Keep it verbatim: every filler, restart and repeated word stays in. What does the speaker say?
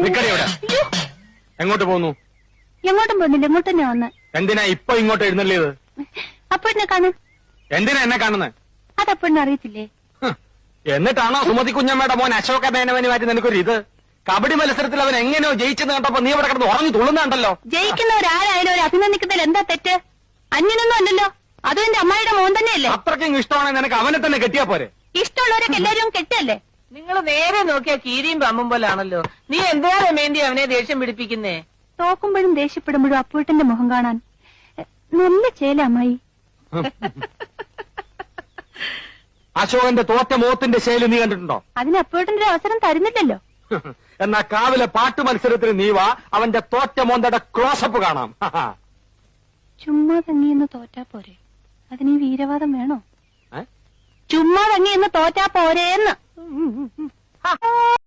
നിക്കടി ഇവിടെ. എങ്ങോട്ട് പോന്നു? എങ്ങോട്ടും പോകുന്നില്ല, ഇങ്ങോട്ട് തന്നെ വന്ന്. എന്തിനാ ഇപ്പൊ ഇങ്ങോട്ട് എഴുന്നള്ളിയത്? അപ്പോഴിനെ കാണു. എന്തിനാ എന്നെ കാണുന്നത്? അതപ്പോഴിനെ അറിയത്തില്ലേ? എന്നിട്ടാണോ സുമതി കുഞ്ഞമ്മയുടെ മോൻ അശോക മേനവന് മാറ്റി നിനക്കൊരു ഇത്? കബഡി മത്സരത്തിൽ അവൻ എങ്ങനെയോ ജയിച്ചെന്ന് കണ്ടപ്പോ നീ ഇവിടെ കിടന്ന് ഉറങ്ങി തുള്ളുന്നുണ്ടല്ലോ. ജയിക്കുന്നവരാരായാലും ഒരു അഭിനന്ദിക്കുന്നതിൽ എന്താ തെറ്റ്? അന്യനൊന്നും അല്ലല്ലോ, അതും എന്റെ അമ്മായിയുടെ മോൻ തന്നെയല്ലേ. അത്രയ്ക്കും ഇഷ്ടമാണെങ്കിൽ നിനക്ക് അവനെ തന്നെ കെട്ടിയാ പോരെ? ഇഷ്ടമുള്ളവരൊക്കെ എല്ലാവരും കെട്ടല്ലേ? നിങ്ങൾ നേരെ നോക്കിയാ കീരിയും പമ്പും പോലാണല്ലോ. നീ എന്താ വേണ്ടി അവനെ ദേഷ്യം പിടിപ്പിക്കുന്നേ? തോക്കുമ്പോഴും ദേഷ്യപ്പെടുമ്പോഴും അപ്പൂട്ടന്റെ മുഖം കാണാൻ നല്ല ചേല അമ്മായി. അശോകന്റെ തോറ്റ മോത്തിന്റെ ശൈലി നീ കണ്ടിട്ടുണ്ടോ? അതിന് അപ്പൂട്ടന്റെ അവസരം തരുന്നില്ലല്ലോ. എന്നാ കാവിലെ പാട്ട് മത്സരത്തിന് നീ വാ, അവന്റെ തോറ്റ മോന്തയുടെ ക്ലോസപ്പ് കാണാം. ചുമ്മാ തങ്ങിയെന്ന് തോറ്റാ പോരെ, അതിന് ഈ വീരവാദം വേണോ? ചുമ്മാ തങ്ങിയെന്ന് തോറ്റാ പോരേന്ന്.